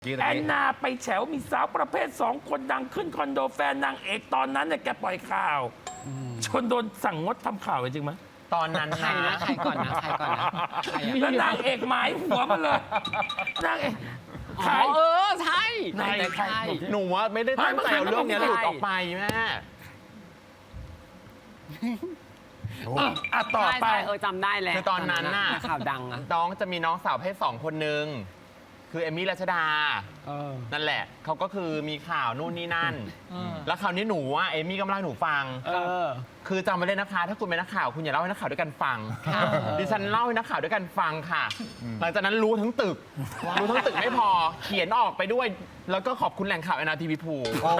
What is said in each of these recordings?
แอนนาไปแฉวมีสาวประเภท2 คนดังขึ้นคอนโดแฟนนางเอกตอนนั้นเนี่ยแกปล่อยข่าวจนโดนสั่งงดทำข่าวจริงไหมตอนนั้นใครนะใครก่อนนะใครก่อนนะใครอะแล้วนางเอกหมายหัวมาเลยนางเอกใครอ๋อใช่ไหนใครหนูว่าไม่ได้ตั้งใจเอาเรื่องนี้หลุดออกไปแม่ต่อไปใช่จำได้แล้วคือตอนนั้นน่ะข่าวดังอะน้องจะมีน้องสาวเพศ2 คนนึงคือเอมมี่รัชดานั่นแหละเขาก็คือมีข่าวนู่นนี่นั่น แล้วคราวนี้หนูว่าเอมมี่ก็มาเล่าให้หนูฟังคือจำไว้เลยนะคะ ถ้าคุณเป็นนักข่าวคุณอย่าเล่าให้นักข่าวด้วยกันฟังดิฉันเล่าให้นักข่าวด้วยกันฟังค่ะ หลังจากนั้นรู้ทั้งตึกไม่พอเขียนออกไปด้วย แล้วก็ขอบคุณแหล่งข่าว NRTV ภู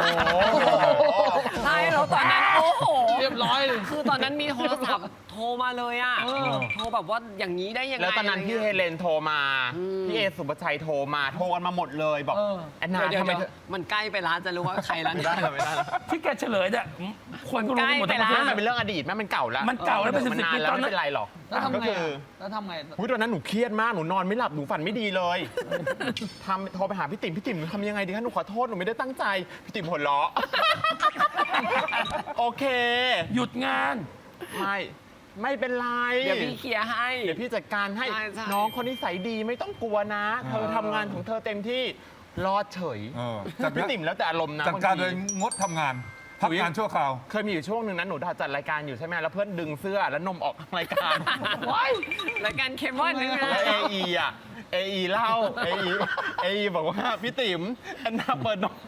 ใช่แล้วตอนนั้นโอ้โหเรียบร้อยเลยคือตอนนั้นมีโทรศัพท์โทรมาเลยอะโทรแบบว่าอย่างนี้ได้ยังไงแล้วตอนนั้นพี่เฮเลนโทรมาพี่เอสุภชัยโทรมาโทรกันมาหมดเลยบอกแอนนาเดี๋ยวทำไมมันใกล้ไปแล้วจะรู้ว่าใครแล้วไม่ได้ไม่ได้ที่แกเฉลยเนี่ยคนก็รู้กันหมดทั้งประเทศมันเป็นเรื่องอดีตแม่มันเก่าแล้วมันเก่าแล้วเป็น10 นานปีแล้วตอนนั้นไม่เป็นไรหรอกแล้วทำก็ไงคือแล้วทำไงตอนนั้นหนูเครียดมากหนูนอนไม่หลับหนูฝันไม่ดีเลยโทรไปหาพี่ติ๋มทำยังไงดีคะหนูขอโทษหนูไม่ได้ตั้งใจพี่ติ๋มหัวเราะโอเคหยุดงานไม่เป็นไรเดี๋ยวพี่เคลียร์ให้เดี๋ยวพี่จัดการให้ใช่ใช่น้องคนนิสัยดีไม่ต้องกลัวนะ เธอทำงานของเธอเต็มที่รอดเฉยจัดพี่ติ๋มแล้วแต่อารมณ์นะจัดการบโดงยทีงดทำงานพักงานชั่วคราวเคยมีอยู่ช่วงหนึ่งนั้นหนูจัดรายการอยู่ใช่ไหมแล้วเพื่อนดึงเสื้อแล้วนมออกรายการรายการเคมอนนึงแล้วเอเล่าเอบอกว่าพี่ติ๋มแอนนาเปิดนม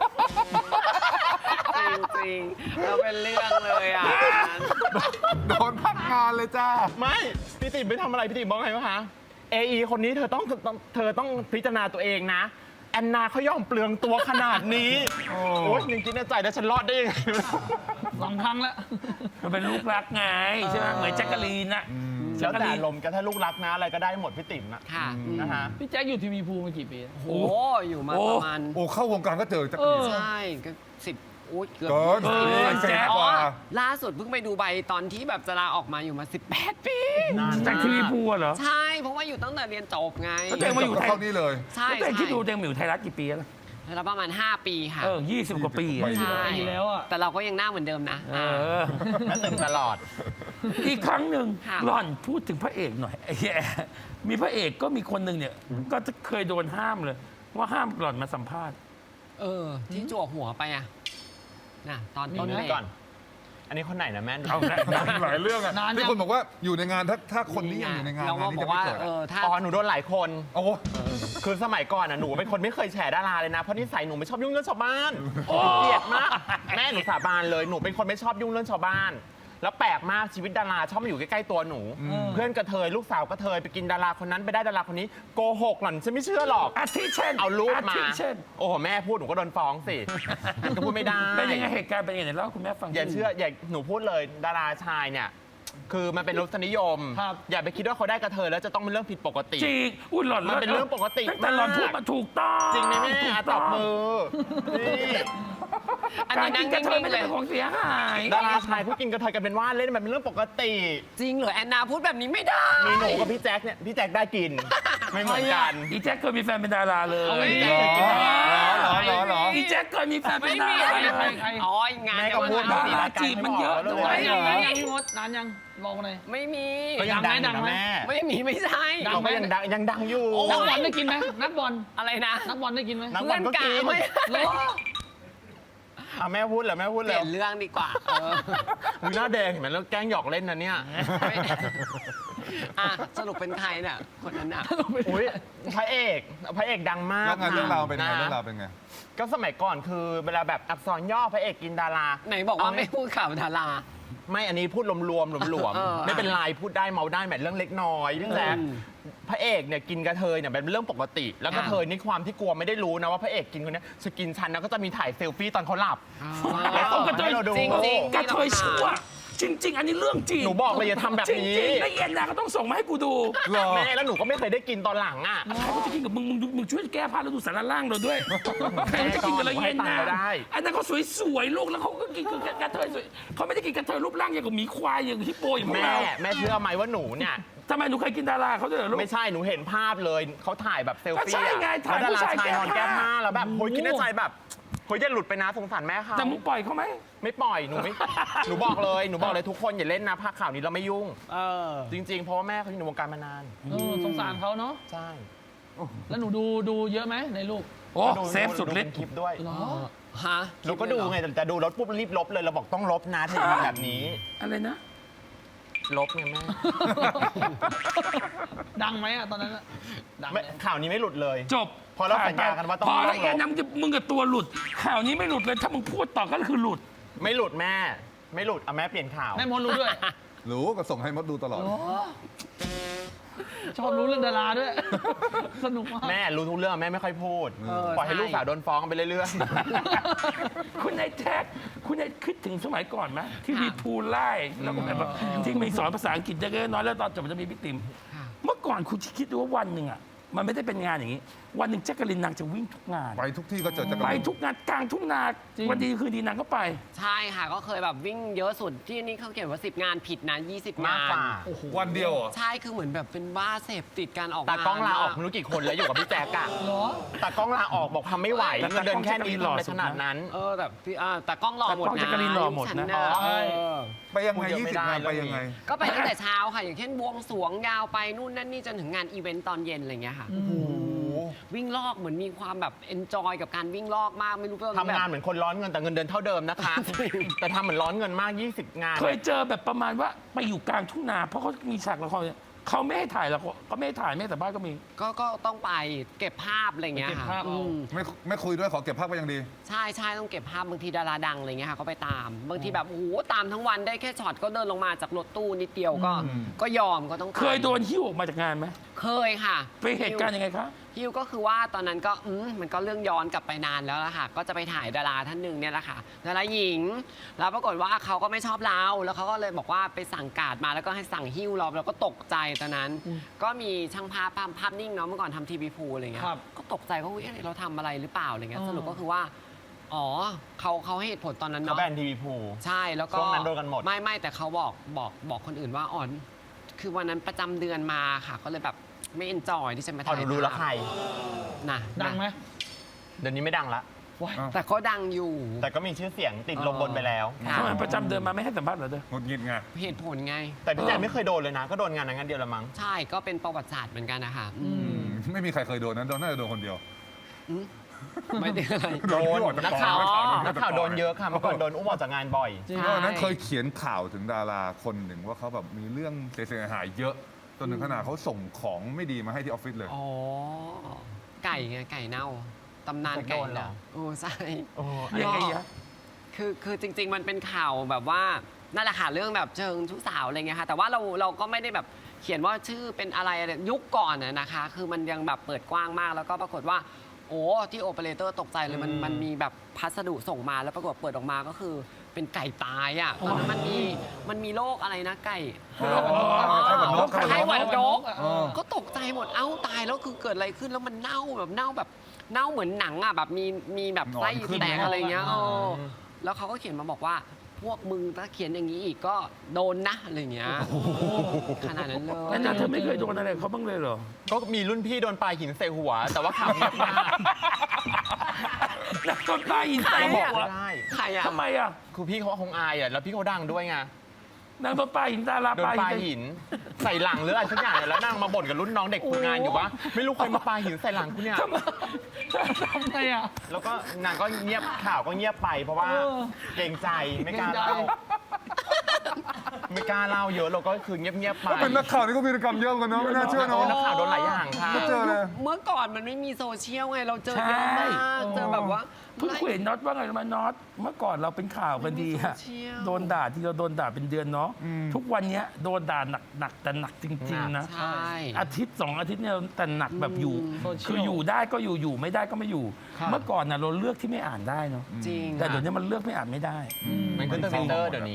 จริงๆเราเป็นเรื่องเลยอ่ะโดนพักงานเลยจ้าไม่พี่ติ๋มไปทำอะไรพี่ติ๋มบอกไงวะคะเอคนนี้เธอต้องพิจารณาตัวเองนะแอนนาเขายอมเปลืองตัวขนาดนี้โอ้ยยังคิดในใจแล้วฉันรอดได้ยังไง 2 ครั้งแล้วมันเป็นลูกรักไงใช่ไหมเหมือนแจ็คกะลีนน่ะแล้วแต่ลมณ์กันถ้าลูกรักนะอะไรก็ได้หมดพี่ติ๋มนะค่ะนะฮะพี่แจ็คอยู่ทีวีภูมากี่ปีโอ้อยู่มาประมาณโอ้เข้าวงการก็เจอจักรีนใช่ก็10โอ้ยเกือบเกินแจ๊คกว่าล่าสุดเพิ่งไปดูใบตอนที่แบบจะลาออกมาอยู่มา18 ปีจากทีวีพูเหรอใช่ เพราะว่าอยู่ตั้งแต่เรียนจบไงแล้วตัวเองมาอยู่ไทยเข้านี่เลยใช่แล้วตัวเองคิดดูตัวเองมาอยู่ไทยรัฐกี่ปีแล้วแล้วประมาณ5 ปีค่ะ 20 กว่าปีอะใช่ปีแล้วอ่ะแต่เราก็ยังหน้าเหมือนเดิมนะและตึงตลอดอีกครั้งหนึ่งค่ะหล่อนพูดถึงพระเอกหน่อยไอ้แย่มีพระเอกก็มีคนหนึ่งเนี่ย ก็เคยโดนห้ามเลย ว่าห้ามหล่อนมาสัมภาษณ์ที่จั่วหัวไปอ่ะน่ะตอนต้นนี่เบรก่อนกอันนี้คนไหนนะแม่เอาละหลายเรื่องอะนานยังที่คนบอกว่าอยู่ในงานถ้าคนนี้ยังอยู่ในงานเรางานก็นี้บอจะกไม่ว่าเกิดถ้าอ๋อหนูโดนหลายคนโอ้คือสมัยก่อนหนูเป็นคนไม่เคยแฉดาราเลยนะเพราะนิสัยหนูไม่ชอบยุ่งเรื่องชาวบ้านเกลียดมากแม่หนูสาบานเลยหนูเป็นคนไม่ชอบยุ่งเรื่องชาวบ้าน แล้วแปลกมากชีวิตดาราชอบมาอยู่ใกล้ๆตัวหนู เพื่อนกระเทยลูกสาวกระเทยไปกินดาราคนนั้นไปได้ดาราคนนี้โกหกหล่อนฉันไม่เชื่อหรอกอาทิเช่นเอารูปมาทิเช่นโอ้โหแม่พูดหนูก็โดนฟ้องสิก็พูดไม่ได้เป็นยังไงเหตุการณ์เป็นยังไงเล่าให้คุณแม่ฟังอย่าเชื่ออย่าหนูพูดเลยดาราชายเนี่ยคือมันเป็นรสนิยมครับอย่าไปคิดว่าเขาได้กระเทยแล้วจะต้องเป็นเรื่องผิดปกติจริงอุ้ยหล่อนมันเป็นเรื่องปกติตั้งแต่หล่อนมากพูดมาถูกต้องจริงไหมแม่ถูกตต้บมือนี่อันการนี้กินั่นงกระเทยนิ่งไม่ๆเลใช่ยเป็นของเสียหายดาราชายผู้กินกระเทยกันเป็นว่าเล่นมันเป็นเรื่องปกติจริงเหรอแอนนาพูดแบบนี้ไม่ได้มีหนูกับพี่แจ็คเนี่ยพี่แจ็คได้กิน ไม่เหมือนกันอีแจ็คเคยมีแฟนเป็นดาราเลยพี่แจ็คเคยกินดาราเหรออีแจ็คเคยมีแฟนเป็ไม่นดามีราอะไรเลยอ๋องานแม่ก็พูดดาดีราละกันจีบมันเยอะด้วยนานยังพี่มดนานยังลองหน่อยไม่มีก็ยังดังอยู่นะแม่ไม่มีไม่ใช่ดัเราก็ยังดังอยู่นักบอลได้กินไหมนักบอลอะไรนะนักบอลได้กินไหมนักบอลก็กินเพื่อนกะไม่แม่พูดเหรอแม่พูดเปเลลี่ยยนเรื่องดีกว่ามึงหน้าแดงเห็นไหมแล้วแกล้งหยอกเล่นนะเนี่ยสรุปเป็นใครน่ะคนนั้นน่ะอุ้ยพระเอกดังมากแล้วงานเรื่องราวเป็นไงะเรื่องราวเป็นไงก็สมัยก่อนคือเวลาแบบอักษรย่อพระเอกกินดาราไหนบอกว่าไม่พูดข่าวดาราไม่อันนี้พูดรวมๆเออไม่เป็นไรพูดได้เมาได้แหมเรื่องเล็กน้อยพี่แจ๊คอืมพระเอกเนี่ยกินกระเทยเนี่ยเป็นเรื่องปกติ แล้วกระเทยนี่ความที่กลัวไม่ได้รู้นะว่าพระเอกกินคนเนี้ยจะกินฉันแล้วก็จะมีถ่ายเซลฟี่ตอนเขาหลับเอากระเทยให้เราดูจริงๆกระเทยชั่วจริง ๆ อันนี้เรื่องจริงหนูบอกเลยอย่าทำแบบจนี้ริงๆแล้วเอ็นนาก็ต้องส่งมาให้กูดูหรอแม่แล้วหนูก็ไม่เคยได้กินตอนหลังอ่ะใครก็จะกินกับมึงช่วยแก้ผ้าแล้วดูสารล่างเราด้วยใครจะกินกับเราเย็นให้ตังนะค์เราได้อันนั้นเขาสวยๆลูกแล้วเขาก็กินกับกระเทยสวยเขาไม่ได้กินกระเทยรูปร่างอย่างกับหมีควายอย่างฮิปโปอย่างพวกแม่เราแม่เชื่อไหมว่าหนูเนี่ยทำไมหนูเคยกินดาราเขาด้วยเหรอลูกไม่ใช่หนูเห็นภาพเลยเขาถ่ายแบบเซลก็ฟี่ใช่ไงถ่ายแล้วดาราผู้ชายชายนอนแก้แก้ผ้าผ้าแล้วแบบโหยคิดในใจแบบโหยจะหลุดไปนะสงสารแม่เขาแต่มึงปล่อยเขาไหมไม่ปล่อยหนูไม่ หนูบอกเลยทุกคนอย่าเล่นนะภาคข่าวนี้เราไม่ยุ่ง จริง ๆ เพราะว่าแม่เขาอยู่ในวงการมานานสงสารเขาเนาะใช่แล้วหนูดูเยอะไหมในลูกโอ้ดูเซฟสุดฤทเป็นธิ์คลิปด้วยเหรอฮะหนูก็ดูไงแต่ดูรถปุ๊บรีบลบเลยเราบอกต้องลบนะถ้าอย่างแบบนี้อะไรนะลบไงแม่ดังไหมอะตอนนั้นอะดังไหมไม่ข่าวนี้ไม่หลุดเลยจบพอเราสัญญากันว่าต้องพอแล้วลบเอ็นนะมึงกับตัวหลุด ข่าวนี้ไม่หลุดเลย ถ้ามึงพูดต่อก็คือหลุดไม่หลุดแม่ ไม่หลุดเอาแม่เปลี่ยนข่าวแม่มดรู้ด้วยรู้ก็ส่งให้มดดูตลอดชอบรู้เรื่องดาราด้วย สนุกมากแม่รู้ทุกเรื่องแม่ไม่ค่อยพูดปล่อยให้ลูกสาวโดนฟ้องไปเรื่อยคุณนายแท็ก คุณนายคิดถึงสมัยก่อนไหมที่มีพูลไล่แล้วก็แบบว่าที่มีสอนภาษาอังกฤษเล็กๆน้อยๆแล้วตอนจบมันจะมีบิ๊กติม เมื่อก่อนคุณคิดดูว่าวันหนึ่งอ่ะมันไม่ได้เป็นงานอย่างนี้ วันหนึ่งแจ๊กกะลินนางจะวิ่งทุกงานไปทุกที่ก็เจอจักรไปยานทุกงานกลางทุ่งนาจริงวันดีคืนดีนางก็ไปใช่ค่ะก็เคยแบบวิ่งเยอะสุดที่นี่เขาเขียนว่า 10 งานผิดนะ 20 ๆ มากงานกว่าวันเดียวเหรอใช่คือเหมือนแบบเป็นบ้าเสพติดการออกตากล้องลาออกงนไม่รู้กี่คนแล้วอยู่กับพี่แจ๊กอะเหรอตากล้องลาออกบอกทำไม่ไหวแต่เงินเดือนแค่นี้ตากล้องทำไปขนาดนั้นแต่พี่แต่กล้องรอหมดแต่กล้องนะแจ๊กกะลีนรอหมดนะฉัใช่ไปยังไงพูดเยอะไม่ 20 ได้งานไปเรื่องนี้ยังไงก็ไปตั้งแต่เช้าค่ะ อย่างเช่นบวงสรวงยาวไปนู่นนั่นนี่จนถึงงานอีเวนต์ตอนเย็นอะไรอย่างเงี้ยค่ะ วิ่งลอกเหมือนมีความแบบเอนจอยกับการวิ่งลอกมากไม่รู้ว่าทำงานแบบเหมือนคนร้อนเงินแต่เงินเดือนเท่าเดิมนะคะ แต่ทำเหมือนร้อนเงินมาก 20 งานเคยเจอแบบประมาณว่าไปอยู่กลางทุ่งนา เพราะเขามีฉากละครเนี่ยเขาไม่ให้ถ่ายละครก็ไม่ให้ถ่ายไม่ให้แต่บ้านก็มีก็ต้องไปเก็บภาพอะไรอย่างเงี้ยเก็บค่ะภาพเอาไม่คุยด้วยขอเก็บภาพไว้ยังดีใช่ต้องเก็บภาพบางทีดาราดังอะไรเงี้ยค่ะก็ไปตาม บางทีแบบโอ้โหตามทั้งวันได้แค่ช็อตก็เดินลงมาจากรถตู้นิดเดียวก็ยอมก็ต้องไปเคยโดนหิ้วออกมาจากงานไหมเคยค่ะไปเหตุการณ์ยังไงคะฮิวก็คือว่าตอนนั้นก็มันก็เรื่องย้อนกลับไปนานแล้วล่ะค่ะ ก็จะไปถ่ายดาราท่านหนึ่งเนี่ยแหละค่ะดาราหญิง แล้วปรากฏว่าเขาก็ไม่ชอบเราแล้วเขาก็เลยบอกว่าไปสั่งการ์ดมาแล้วก็ให้สั่งหิ้วเราก็ตกใจตอนนั้น ก็มีช่างภาพนิ่งเนาะเมื่อก่อนทำทีวีพูอะไรเงี้ยครับก็ตกใจว่าอุ๊ยเราทำอะไรหรือเปล่าอะไรเงี้ยอ๋อสรุปก็คือว่าอ๋อเขาให้เหตุผลตอนนั้นเขาเนาะแบนทีวีพูใช่แล้วก็ช่วงนั้นโดนกันหมดไม่แต่เขาบอกคนอื่นว่าอ๋อคือวันนั้นประจำเดือนมาค่ะก็เลยแบบไม่เอนจอยที่จะมาพอถ่ายหนูรู้แล้วใครนะดังไหมเดี๋ยวนี้ไม่ดังละว้ายแต่ก็ดังอยู่แต่ก็มีชื่อเสียงติดลมบนไปแล้วค่ะทำไมประจำเดือนมาไม่ให้สัมภาษณ์เหรอเด้อหงุดหงิดไงเหตุผลไงแต่พี่แจ๊คไม่เคยโดนเลยนะ ก็โดนงานนั้นงานเดียวละมั้งใช่ก็เป็นประวัติศาสตร์เหมือนกันนะคะไม่มีใครเคยโดนนะน่าจะโดนคนเดียวไม่ได้อะไรโดนที่ออจนักกข่าวองนักข่าวโดนเยอะค่ะเมื่อก่อนโดนอุ้มออกจากงานบ่อยจริงเพราะฉะนั้นเคยเขียนข่าวถึงดาราคนหนึ่งว่าเขาแบบมีเรื่องเสียหายเยอะจนถึงขนาดเขาส่งของไม่ดีมาให้ที่ออฟฟิศเลยอ๋อไก่ไงไก่เน่าตำนานไก่โดนเหรอเน่าโอ้ใช่โอ้ยังไงอะคือจริง ๆ มันเป็นข่าวแบบว่านั่นแหละค่ะเรื่องแบบเชิงชู้สาวอะไรเงี้ยค่ะแต่ว่าเราก็ไม่ได้แบบเขียนว่าชื่อเป็นอะไรยุคก่อนนะคะ คือมันยังแบบเปิดกว้างมากแล้วก็ปรากฏว่าโอ้ที่โอเปอเรเตอร์ตกใจเลยมันมีแบบพัสดุส่งมาแล้วปรากฏเปิดออกมาก็คือเป็นไก่ตายอ่ะตอนนั้นมันมีโรคอะไรนะไก่ไข้หวัดนกไข้หวัดนกเออก็ตกใจหมดเอ้าตายแล้วคือเกิดอะไรขึ้นแล้วมันเน่าเน่าเหมือนหนังอ่ะแบบมีแบบไส้หนอนขึ้นแตกอะไรเงี้ยอ๋อแล้วเขาก็เขียนมาบอกว่าพวกมึงถ้าเขียนอย่างนี้อีกก็โดนนะอะไรเงี้ยขนาดนั้นเลยแล้วเธอไม่เคยโดนอะไรเขาบ้างเลยเหรอก็มีรุ่นพี่โดนปลาหินใส่หัว แต่ว่าข่าวเงียบมากนักต้นตายอินใส่ก็บบ ออก กว่าไม่ได้ใครอ่ะทำไมอ่ะคือพี่เขาคงอายอ่ะแล้วพี่เขาดังด้วยไงนางโดนปลาหินดาราโดนปลาปลาหินหินใส่หลังหรืออะไรสักอย่างเนี่ยแล้วนางมาบ่นกับรุ่นน้องเด็กฝึกงานอยู่ว่าไม่รู้ใครมาปลาหินใส่หลังคุณเนี่ยทำไมอ่ะแล้วก็นางก็เงียบข่าวก็เงียบไป เพราะว่าเออเกรงใจไม่กล้าเกรงใจเล่าไม่กล้าเล่าเยอะเราก็คือเงียบๆไปก็เป็นนักข่าวนี่ก็มีกิจกรรมเยอะกันเนาะไม่น่าเชื่อเนาะนักข่าวโดนหลายอย่างค่ะก็เจอเลยเมื่อก่อนมันไม่มีโซเชียลไงเราเจอเยอะมากเจอแบบว่าเพิ่งเห็นน็อตว่าไงรู้ไหมาน็อตเมื่อก่อนเราเป็นข่าวกันดีอะโซเชียลโดนด่าที่เราโดนด่าเป็นเดือนเนาะทุกวันเนี้ยโดนด่าหนักแต่หนักจริง ๆ นะใช่อาทิตย์2 อาทิตย์เนี่ยแต่หนักแบบอยู่โซเชียลคืออยู่ได้ก็อยู่ไม่ได้ก็ไม่อยู่ครับเมื่อก่อนน่ะเราเลือกที่ไม่อ่านได้เนาะจริงแต่เดี๋ยวนี้มันเลือกไม่อ่านไม่ได้มันขึ้นทวิตเตอร์เดี๋ยวนี้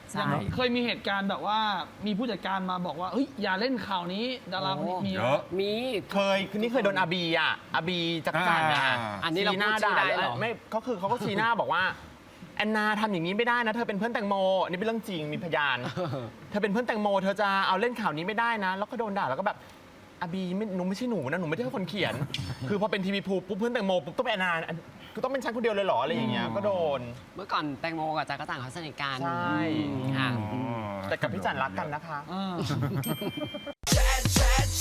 ใช่เคยมีเหตุการณ์แบบว่ามีผู้จัดการมาบอกว่าเฮ้ยอย่าเล่นข่าวนี้ดาราคนนี้มีเยอะมีนี่เคยโดนอาบีอ่ะอาบีจักรจันทร์อ่ะอันนี้เราชี้หน้าพูดชื่ด่าอได้เหรอไม่ก็คือเขาก็ชี้หน้าบอกว่าแอนนาทำอย่างนี้ไม่ได้นะ เธอเป็นเพื่อนแตงโมอันนี้เป็นเรื่องจริงมีพยาน เธอเป็นเพื่อนแตงโมเธอจะเอาเล่นข่าวนี้ไม่ได้นะ แล้วก็โดนด่าแล้วก็แบบอาบีหนูไม่ใช่หนูนะหนูไม่ใช่คนเขียน คือพอเป็นทีวีพูปุ๊บเพื่อนแตงโมปุ๊บต้องเป็นแอนนาคือต้องเป็นฉันคนเดียวเลยเหรออะไรอย่างเงี้ยก็โดนเมื่อก่อนแตงโมกับจักรจันทร์เขาสนิทกันใช่ค่ะแต่กับพี่จันรักกันนะคะอ่า